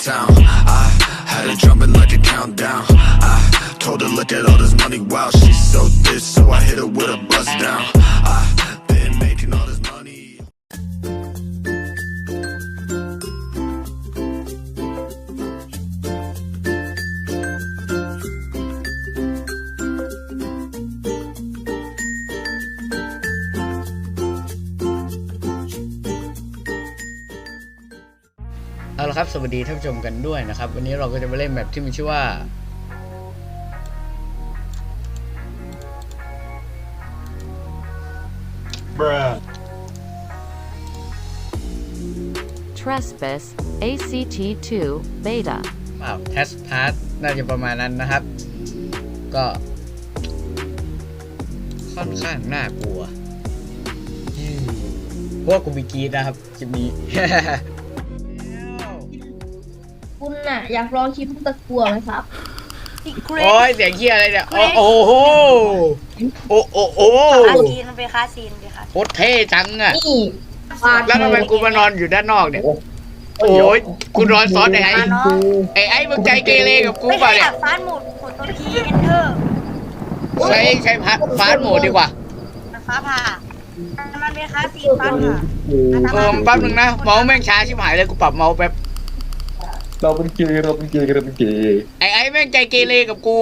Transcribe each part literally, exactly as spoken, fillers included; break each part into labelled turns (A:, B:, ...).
A: town. I had her jumping like a countdown. I told her look at all this money, wow, she's so thick, so I hit her with a bust down. I've been making all this money.
B: เอาละครับสวัสดีท่านผู้ชมกันด้วยนะครับวันนี้เราก็จะมาเล่นแมปที่มีชื่อว่า
C: Bruh
D: Trespass เอ ซี ที ทู Beta
B: อ้าว Test Pass น่าจะประมาณนั้นนะครับก็ค่อนข้างน่ากลัวพวกกูมีกีดนะครับคลิปนี้
E: คุณน่ะอยากลองคลิปตะกัวไหมครับ
B: โอ้ยเสียงเฮียอะไรเนี่ยโอ้โหโอ้โอ้โอ้
F: คาซีนมันเป็นคาซีนเป็นคาซีน
B: โคตรเท่จังอะ
E: นี่
B: แล้วทำไมกูมานอนอยู่ด้านนอกเนี่ยโอ้ยกูนอนซ้อนไอ้ไอ้ไอ้ไอ้มึงใจเกเรกับกู
F: ไม่
B: ป่ะ
F: ใช่
B: เนี่
F: แบ
B: ย
F: บฟาสต์โหมดกดตัวทีเอนเตอร์
B: ใช้ใช้ฟาสต์โหมดดีกว่า
F: มันฟ้าผ่ามันเป็นคาซีนฟ้าผ่า
B: เออแป๊บนึงนะเมาส์แม่งช้าชิบหายเลยกูปรับเมาส์แป๊บ
C: เราเป็นเกย์เราเป็นเกย์เราเป็นเกย์
B: ไอ้ไอ้แม่งใจเกเรกับกู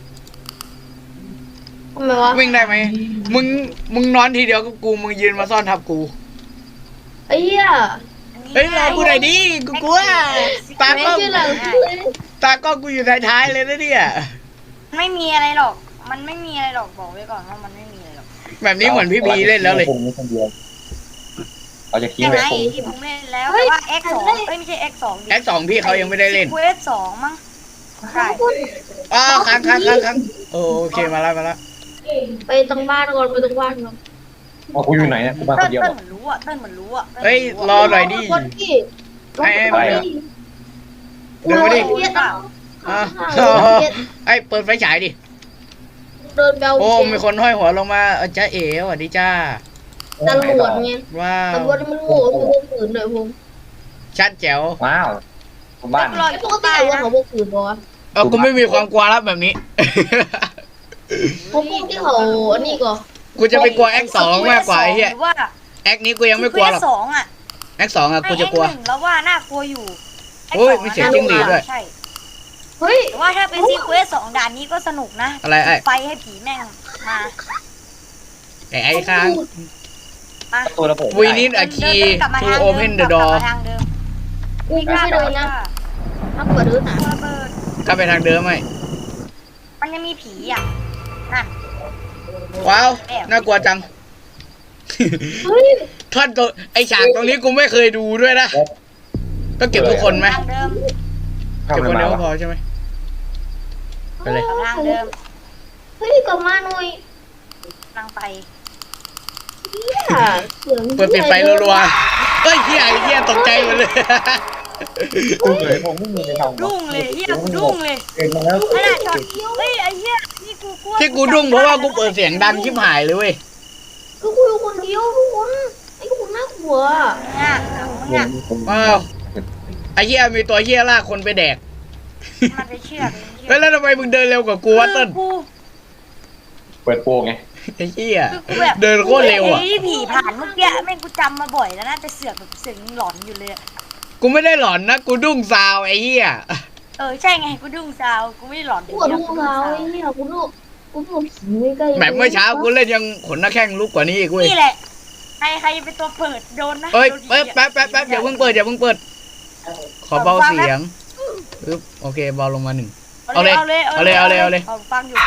E: ทำไมวะ
B: วิ่งได้ไหมมึงมึงนอนทีเดียวกับกูมึงยืนมาซ่อนทับกู
E: ไอ้เหี้ย
B: เฮ้ยรอกูหน่อยดิกูกลัวตา
E: ไม่
B: ก็
E: ใช่หลัง
B: ตาก็กูอยู่ท้ายๆเลยนะเนี่ย
F: ไม่มีอะไรหรอกมันไม่มีอะไรหรอกบอกไว้ก่อนว่ามันไม่มีอะไรหรอก
B: แบบนี้เหมือนพี่บีเล่นแล้วเลย
C: ผมคนเดียวเราจะทิ้ง
F: ยัง
C: ไว้
F: ไง
C: คง
F: ที่ผมเล่นแล้วแต่ว่า X สองเอ้ยไม่ใช่ X สอง
B: แอคสองพี่เขายังไม่ได้เล่น
F: เควสสองมั้งใช่
B: อ๋อค้างค้างค้างค้างโอเคมาแล้วมาแล้ว
E: ไปตรงบ้านก่อนไปตรงบ้านก่อน
C: เอากูอยู่ไหนเนี่ยกูมาค
F: เต้
C: น
F: น
C: เดียว
F: เต้นเหมือนรู้อ่ะเต้นเหมือนรู้อ่ะ
B: เฮ้ยรอหน่อยดิ
E: คนที่
B: ให้ให้มา
E: เ
B: เดี๋ยวมาดิ
E: เหี้ยต้อง
B: อ่ะ
E: ข้างๆเหี้ย
B: ไอ้เปิดไฟฉายดิ
E: เดินเบล
B: โอ้มีคนห้อยหัวลงมาเออจ้าเอ๋สวัสดีจ้า
E: ตำรวจไง
B: ว้าว
E: ตำรวจมันโง่คือพวกขืนเลยผม
B: ชัดแจ๋ว
C: ว้าวคนบ้าน
F: รอ
E: ไอ้
F: อยู่
E: ปกติ
F: ใต้
E: ว่า
F: นะ
E: เขาพวกขืนปะวะ
B: เออกูไม่มีความกลัวแล้วแบบนี้
E: พวกพวกที่เขาอันนี้ก็
B: กูจะไปกลัวแอคสองมากกว่าไอ้เหี้ย
F: หรือว่า
B: แอคนี้กูยังไม่กลัวหรอก
F: เควสสองอ่ะ
B: แอคสองอะกูจะกลัว
F: ไอ้ X หนึ่งแล้วว่าน่ากลัวอยู่
B: โอ้ยมีเสียงจิ้งหรีดด้วย
F: ใช่
E: เฮ้ย
F: แต่ว่าถ้าเป็นซีเควสสองด่านนี้ก็สนุกนะ
B: อะไรไอ้
F: ไฟให้ผีแม่งมา
B: ไอ้ไอ้ค้าง
F: มา
C: ตัวระบบ
B: We need a key
F: เดินกลับมา
B: to
F: ทางเดิม
B: open the
F: กลับ
B: door
F: มาทางเดิม
E: กูไม่ได้เลยนะถ้าเปิดดูหนา
F: ระเบิด
B: กลับไปทางเดิมไหม
F: มันยังมีผีอ่ะนั่น
B: ว้าวน่ากลัวจัง
E: เฮ้ย
B: ท่อนตัวไอฉากตรงนี้กูไม่เคยดูด้วยนะก็เก็บทุกคนไหม
F: ทางเดิม
C: เข้า
B: เก็บ
C: ไป
B: คน
C: มา
B: เดียวก็
C: วะ
B: พอใช่ไหมไปเลย
F: ทางเดิม
E: เฮ้ยกลับมาหน่อย
F: นั่งไป
E: เหี้ยเสียง
B: เปิดปิดไฟรัวๆเฮ้ยเฮียไอ้เฮียตกใจหมดเลย
C: กูเลยผมไม่มีในทาง
F: ดุ้งเลยเฮียกูดุ้งเลย
C: เกินมาแล้ว
F: ขนาดช็อตเฮ้ยไอ้เฮียนี่กูกลัว
B: ที่กูดุ้งเพราะว่ากูเปิดเสียงดังชิบหายเลยเว้ย
E: ก็คุยคนเดียวทุกคนไอ้คนน่ากลัว
F: เนี่ยเนี่ย
B: ว้าวไอ้เฮียมีตัวเฮียลากคนไปแดก
F: มันไปเชือก
B: เฮ้ยแล้วทำไมมึงเดินเร็วกว่ากูวะต้น
F: กู
C: เปิดโปงไง
B: ไอ้เฮีย
F: คือกูแบบ
B: เดินโคตรเร็วอ่ะ
F: ไอ้ผีผ่านเมื่อกี้แม่งกูจำมาบ่อยแล้วนะแต่เสือกแบบเสือกยังหลอนอยู่เลยอะ
B: กูไม่ได้หลอนนะกูดุ้งซาวไอ้เฮีย
F: เออใช่ไงกูดุ้งซาวกูไม่ได้หลอน
E: ปวดหัวเราไอ้เนี่ยกูดูกูดูผีไม่ใกล้
B: แบบเมื่อเช้ากูเล่นยังขนหน้าแข้งลุกกว่านี้อีกเว้ย
F: นี่แหละใครใครเป็นตัวเปิดโดนนะ
B: เอ้ย
F: โดนผี
B: แป๊บแป๊บแป๊บแป๊บอย่าเพิ่งเปิดอย่าเพิ่งเปิด ขอเบาเสียงปึ๊บโอเคเบาลงมาหนึ่ง เอาเลย
F: เอาเลย
B: เอาเลยเอาเลยเอาเลย
F: ฟังอยู่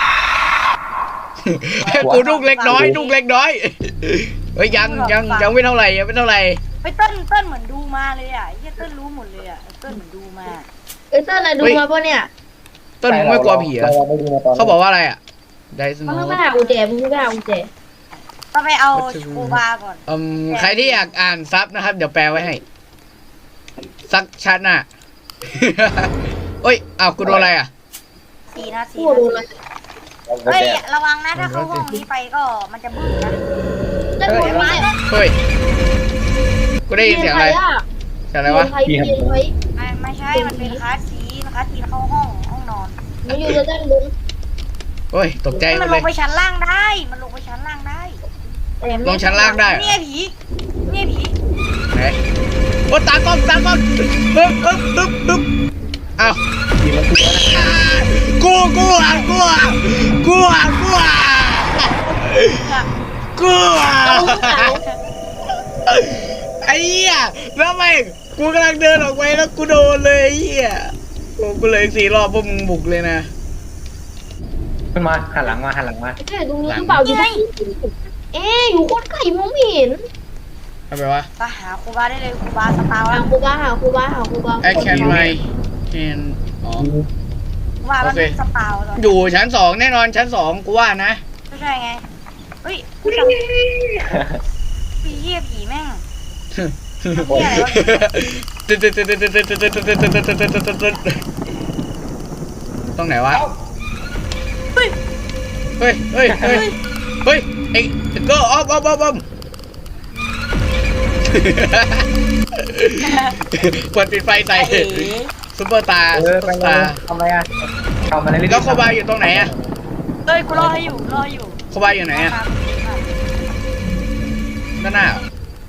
B: กูดุ้งเล็กน้อยดุ้งเล็กน้อยเฮ้ยยังยังยังไม่เท่าไหร่ยังไม่เท่าไหร่
F: ไปเต้นเต้นเหมือนดูมาเลยอ่ะไอ้เหี้ยเต้นรู้หมดเลยอ่ะเต้นเหมือนดูมา
E: เอ้ยเต้นอะไรดูมาปะเนี่ย
B: ต้นมึงไม่กลัวผีเหรอเขาบอกว่าอะไรอ่ะไดส
E: มึ
B: โน
E: งไม่หากุญแจมึงไม่หากุญแจ
F: ต้องไปเอาโชบาก่อน
B: อืมใครที่อยากอ่านซับนะครับ เดี๋ยวแปลไว้ให้ซักชัดน่ะ เอ้ยอ้าวกูโดนอะไรอ่ะ
F: สี่นาที
E: กูดูเลย
F: เฮ้ยระวังนะถ้าเข้าห้องนี้ไปก็มันจะบึ้งนะ
E: ได้ผลไม้
B: เฮ้ยกูได้ยินเสียงอะไรเสียงอะไรวะ
E: เปลี่ยนไฟ
F: ไม่ไม่ใช่ช่มันเป็นคลาสซีคลาสซีเข้าห้องห้องนอน
E: มันอยู่ด้านบน
B: โอ้ยตกใจหม
F: มัน
B: ด
F: ล
B: เล
F: ง
B: ย
F: ไปชั้นล่างได้ มันลงไปชั้นล่างได้
B: ลงชั้นล่างได้เหรอ
F: เนี่ยผีเนี่ยผี
B: ไหนโอ้ตากล้องตากล้องปึ๊บปึ๊บปึ๊บปึ๊บอ้าว
C: ผีมันคืออะไร
B: อ่ากูกูอ่ะกูอ่ะกูอ่ะกูอ่ะกูอ่ะไอ้เหี้ยแล้วทำไมกูกำลังเดินออกไปแล้วกูโดนเลยไอ้เหี้ยโอ้กูเลยสี่รอบพวกมึงบุกเลยนะ
C: ขึ้นมาหันหลังมาหันหลังมา
E: ใช่ตรงนี้หรือเปล่าอยู่ที่เอ๊ะอยู่โคตรไก่มองไม่เห็น
B: ทำไมวะ
F: ไปหาครูบาได้เลยครูบาสตาร์
E: หา
F: แล้ว
E: ครูบาหาครูบาหาครูบา
B: I can my hand อ๋อ
F: ครูบามัน
B: โอเค
F: สตาร์แล้ว
B: อยู่ชั้นสองแน่นอนชั้นสองกูว่านะ
F: ไม่ใช่ไงเฮ้ยกูจำผีเหี้ยผีแม่ง
B: ตรงไหนวะ
F: เฮ้ย
B: เฮ้ย เฮ้ย เฮ้ย เฮ้ยไอ้ก็ออฟออฟออฟออฟกดปิดไฟใส่ซุปเปอร์ตา
C: เอ
B: ซุ
C: อ
B: ปเป
C: ไป
B: อร์
C: เล
B: ตาย
C: ทำอะไรอ่ะทำอะไรเรื่อยๆ
B: แล้วโคบาอยู่ตรงไหนอะ
F: เฮ้ยกูรอให้อยู่รออยู่
B: โคบาอยู่ไหนอะด้านหน้าเหรอ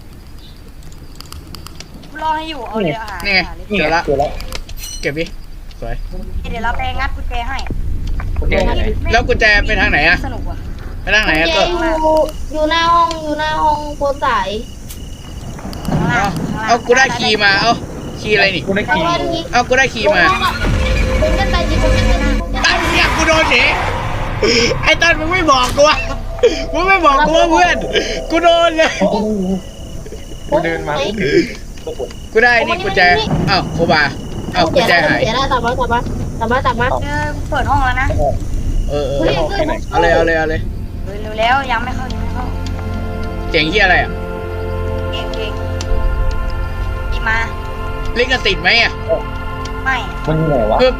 F: กูรอให้อยู่เอาเลยอาหาร
B: นี่ไง
C: นี่
B: เจอ
C: ไง
B: ละ
C: เจอแล้ว
B: เก็บดิสวย
F: เดี๋ยวเราไปงัดกุญแจให้
C: โอเคไหน
B: แล้วกุญแจไปทางไหนอะ
F: สนุกว่ะ
B: ไปทางไหนอะ
E: แก
B: ก็
E: อยู่อยู่หน้าห้องอยู่หน้าห้องโพสาย
F: ข้างล่า
B: เอา
F: งข้งล่ง
B: เอากูได้คีย์มา เอาคีย์อะไรนี่
C: กูได้
E: แล้ว
C: ขี่
E: ก็นี้
B: เอากูได้คีย์มา
E: ผมจะไปจีผมจะไปจีผมจะไป
B: ตั้งเนี่ยกูโดนเฉยไอ้ตันมึงไม่บอกกูวะมึงไม่บอกกูว่าเพื่อน กูโดนเลย
C: กูเดินมา
B: กูได้นี่กุญแจอ้าวโคบาอ้าวกุญแจหาย
E: เดี๋ยวได้ตามมาตามมาตามมาตามมา
F: เออกูเปิดห้องแล้วนะ
B: เออเออเออเอาเลยเอาเลยเอาเลย
F: เร็วๆแล้วยังไม่เข้ายังไม่เข้า
B: เจ๋งเฮียอะไรอ่ะ
F: เก่งเก่งอีมา
B: ลิขสิทธิ์ไหมอ่ะ
F: ไม่
C: มันอยู่ไหนวะ
B: ปึ๊บ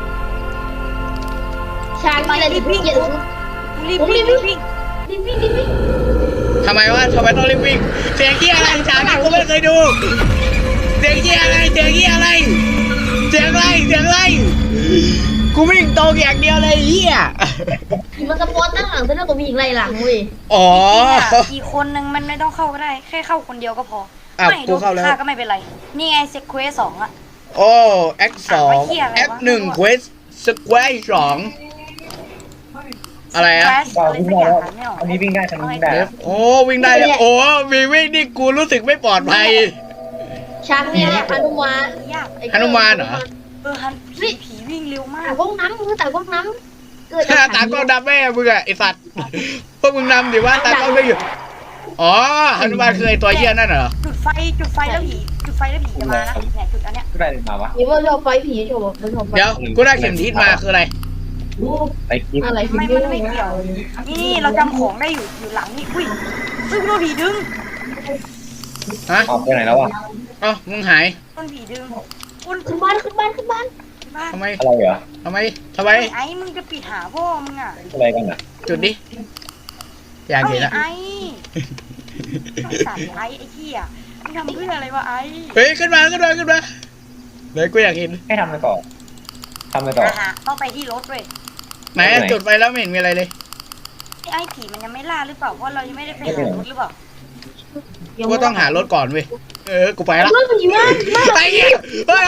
E: ช้างมาเลยดิพี่เกียรติ
F: รีบวิ่งรีบวิ่ง
E: ดิพี่ดิพี่
B: ทำไมวะทำไมต้องรีบวิ่งเสียงเฮียอะไรฉากนี้กูไม่เคยดูเสียงเฮียอะไรเสียงเฮียอะไรเสียงอะไรเสียงอะไรกูวิ่งตรงอย่างเดียวเลยเฮีย
E: มันสปอร์ตตั้งหลังเส้นแล้วก็มีอีกไรหลังเว้ย
B: อ๋อ
F: อีกคนนึงมันไม่ต้องเข้าก็ได้ แค่เข้าคนเดียวก็พอ
B: อ้าว
F: ไม่
B: กูเข้าแล้ว
F: ฆ่าก็ไม่เป็นไร นี่ไงเซ็กเควสสองอะ
B: โอ้แอคสอง
F: อ่ะไว้เหี้ยอะไรวะ
B: แอคหนึ่งเควสสแควร์สองอะไรอะ
F: Crash
C: เรา
F: อะไร
C: วิ่ง
F: สัก
C: ได้
F: อย่าง
C: แล้ว
F: หาไม่ออก
C: อันนี้วิ่งได้ทันวิ่งได้
B: เดฟโอ้วิ่งได้แล้วโอ้มีวิ่งนี่กูรู้สึกไม่ปลอดภัย
E: ช้างเนี่ยฮนุมาน
F: ยาก
B: หนุมานเหรอ
F: เออฮันผีผีวิ่งเร็วมา
E: แต่
F: ก
E: ก้องน้ำคือแต่ก้องน้ำเกิด
B: ตากล้องดำแม่มึงอะไอสัตว์พวกมึงนำดิว่าตากล้องไม่อยู่อ๋อหนุมานคือไอตัวเหี้ยนั่นเหรอ
F: จุดไฟจุดไฟแล้วผีจุดไฟแล้วผีจะมานะเนี่ยจุดอันเนี้ย
C: กูได้เลยมาวะ
E: นี่ว่าชอบไฟผีชอบมันชอบไฟ
B: เดี๋ยวกูได้เข็มทิศมาคืออะไร
C: ไอ้กิ๊บ
E: อะไร
F: ไม่มันไม่เกี่ยวนี่นี่เราจำของได้อยู่อยู่หลังนี่อุ้ยอุ้ยโดนผีดึง
B: ฮะ
C: ออกไปไหนแล้วอ่ะ
B: เอ้ามึงหาย
F: โดนผีดึงอุ้ย
E: ขึ้นบ้านขึ้นบ้านขึ้นบ้าน
F: บ้าน
B: ทำไม
C: อะไรเหรอ
B: ทำไมทำไม
F: ไอ้มึงจะปิดหาพ่อมึงอ่ะ
C: อะไรกันอ่ะ
B: จุดดิอยากเห็นละ
F: ไอ้ไอ้สัตว์ไอ้ไอ้เหี้ยมึงทำเพื่ออะไรวะไอ้
B: เฮ้ยขึ้นมาขึ้นมาขึ้นมาเดี๋ยวกูอยากเห็น
C: ให้ทำไปต่อทำไปต่อ
F: อ่ะฮะต้องไปที่รถเว้ย
B: ไหนอะจุดไปแล้วไม่เห็นมีอะไรเลย
F: ไอ้ผีมันยังไม่ล่าหรือเปล่าเพราะเรายังไม่ได้ไปหารถหรือเปล่า
B: กูต้องหารถก่อนเว้ยเออกูไปละ
E: เรื่องผีมากมาก
B: ไปเหี้ยเฮ้ย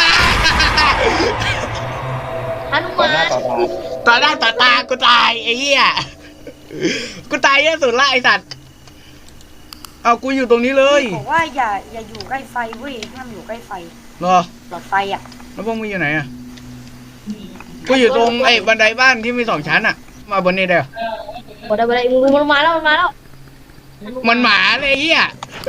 E: ฮนุ
C: ต่อ
E: มา
C: หน้าน ต่อตา
B: ต่อหน้าต่อตากูตายไอ้เหี้ยกูตายเยอะสุดละไอ้สัตว์เอากูอยู่ตรงนี้เลย
F: บอกว่าอย่าอย่าอยู่ใกล้ไฟเว้ยห้ามอยู่ใกล้ไฟ
B: เหรอ
F: หลอดไฟอ่ะ
B: แล้วพวกมึงอยู่ไหนอ่ะกูอยู่ตรงไอ้บันไดบ้านที่มีสองชั้นอ่ะ มาบนนี้ได้เหรอ
E: บอกได้บอกได้มันมาแล้วมันมาแล้ว
B: มันหมาเลยไอ้เหี้ย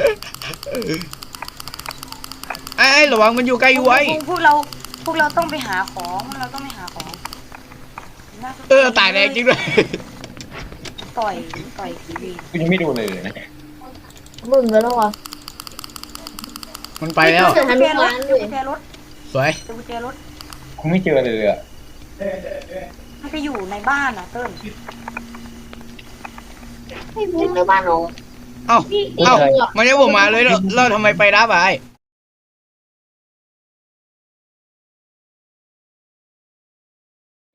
B: ไอ้ไอ้ระวังมันอยู่ใกล้ไว้
F: พวกพวกเราพวกเราต้องไปหาของพวกเราต้องไปหาของน่สนใจ
B: เออตายแรงจริงด้วย
F: ต่อยต่อยผีวี
C: กูยังไม่ดูเลยนะ
E: มึงแล้ววะ
B: มันไปแล้ว
E: เจอฮ
F: กุญ
E: นุ
F: แจร
E: มา
F: ถ
E: น
F: เจ
E: เล
F: อย กุญแจรถ
B: สวย
F: เจอกุญแจรถ
C: กูไม่เจอเลยอ่ะ
F: มันไปอยู่ในบ้านอ่ะเติ้ล
E: ให้บุ้งในบ้านเรา
B: เอ้าเอ้ามันยังผมมาเลยแล้วแล้วทำไมไปรับอ่ะไอ้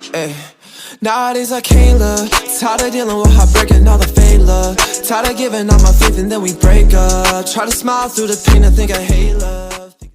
G: Ay. Nowadays I can't look. Tired of dealing with heartbreaking all the fake love. Tired of giving all my faith and then we break up. Try to smile through the pain and think I hate love.